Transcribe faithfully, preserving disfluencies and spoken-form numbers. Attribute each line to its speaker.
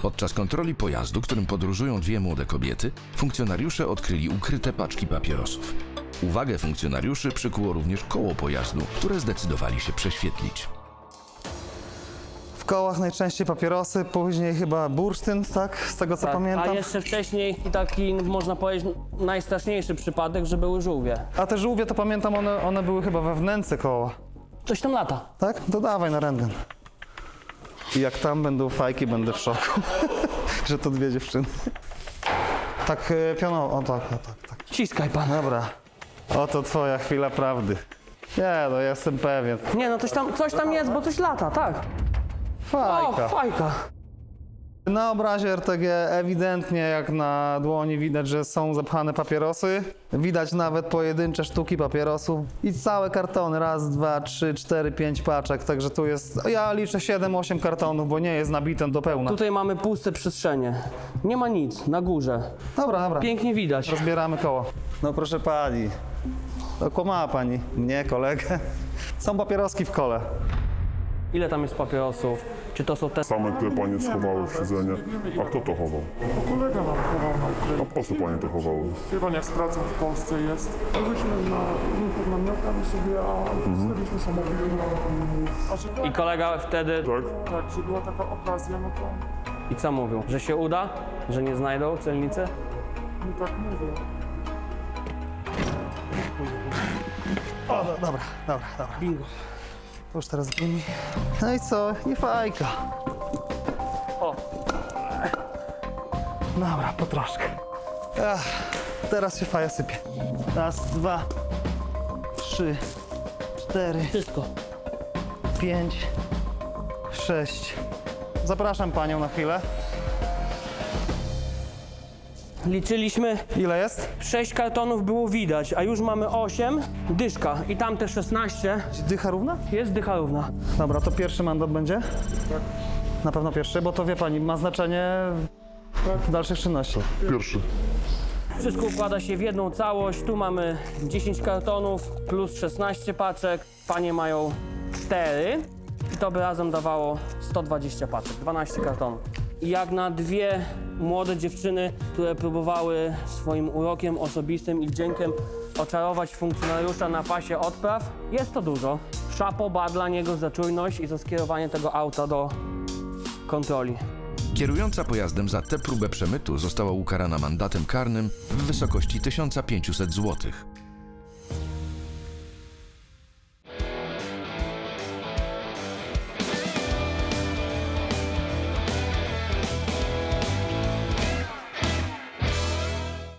Speaker 1: Podczas kontroli pojazdu, którym podróżują dwie młode kobiety, funkcjonariusze odkryli ukryte paczki papierosów. Uwagę funkcjonariuszy przykuło również koło pojazdu, które zdecydowali się prześwietlić.
Speaker 2: W kołach najczęściej papierosy, później chyba bursztyn, tak? Z tego co
Speaker 3: Tak,
Speaker 2: pamiętam.
Speaker 3: a jeszcze wcześniej taki, można powiedzieć, najstraszniejszy przypadek, że były żółwie.
Speaker 2: A te żółwie to pamiętam, one, one były chyba we wnęce koła.
Speaker 3: Coś tam lata.
Speaker 2: Tak? To dawaj na rentgen. I jak tam będą fajki, będę w szoku, że to dwie dziewczyny. Tak e, pionowo, o tak, o tak, tak.
Speaker 3: Ciskaj pan.
Speaker 2: Dobra, oto twoja chwila prawdy. Nie, no jestem pewien.
Speaker 3: Nie no, coś tam, coś tam jest, bo coś lata, tak.
Speaker 2: Fajka.
Speaker 3: O, fajka.
Speaker 2: Na obrazie R T G ewidentnie jak na dłoni widać, że są zapchane papierosy. Widać nawet pojedyncze sztuki papierosów i całe kartony. Raz, dwa, trzy, cztery, pięć paczek. Także tu jest, ja liczę siedem, osiem kartonów, bo nie jest nabite do pełna.
Speaker 3: Tutaj mamy puste przestrzenie. Nie ma nic, na górze.
Speaker 2: Dobra, dobra.
Speaker 3: Pięknie widać.
Speaker 2: Rozbieramy koło. No proszę pani, okłamała pani mnie, kolegę. Są papieroski w kole.
Speaker 3: Ile tam jest papierosów? Czy to są te...
Speaker 4: Same te panie schowały w siedzenie. A kto to chował?
Speaker 5: Kolega nam chował na
Speaker 4: A
Speaker 5: ukryciu.
Speaker 4: po co panie to chowały?
Speaker 5: Wie pan, jak z pracą w Polsce jest. Byliśmy na rynku namiotami sobie, a zostawiliśmy samochód. A że tak,
Speaker 3: I kolega wtedy...
Speaker 4: Tak?
Speaker 5: tak, że była taka okazja, no to
Speaker 3: I co mówił? Że się uda? Że nie znajdą celnicy?
Speaker 5: mi tak mówię.
Speaker 2: O, do, dobra, dobra, dobra.
Speaker 3: Bingo.
Speaker 2: To już teraz gumi. No i co? I fajka.
Speaker 3: O,
Speaker 2: Dobra, po troszkę. Ach, teraz się faja sypie. Raz, dwa, trzy, cztery,
Speaker 3: wszystko.
Speaker 2: pięć, sześć. Zapraszam panią na chwilę.
Speaker 3: Liczyliśmy,
Speaker 2: Ile jest?
Speaker 3: sześć kartonów było widać, a już mamy osiem. Dyszka i tamte szesnaście.
Speaker 2: Dycha równa?
Speaker 3: Jest dycha równa.
Speaker 2: Dobra, to pierwszy mandat będzie? Tak. Na pewno pierwszy, bo to wie pani, ma znaczenie w dalszych czynnościach.
Speaker 4: Pierwszy.
Speaker 3: Wszystko układa się w jedną całość. Tu mamy dziesięć kartonów plus szesnaście paczek. Panie mają cztery i to by razem dawało sto dwadzieścia paczek, dwanaście kartonów. I jak na dwie młode dziewczyny, które próbowały swoim urokiem osobistym i wdziękiem oczarować funkcjonariusza na pasie odpraw, jest to dużo. Szapo ba dla niego za czujność i za skierowanie tego auta do kontroli.
Speaker 1: Kierująca pojazdem za tę próbę przemytu została ukarana mandatem karnym w wysokości tysiąc pięćset złotych.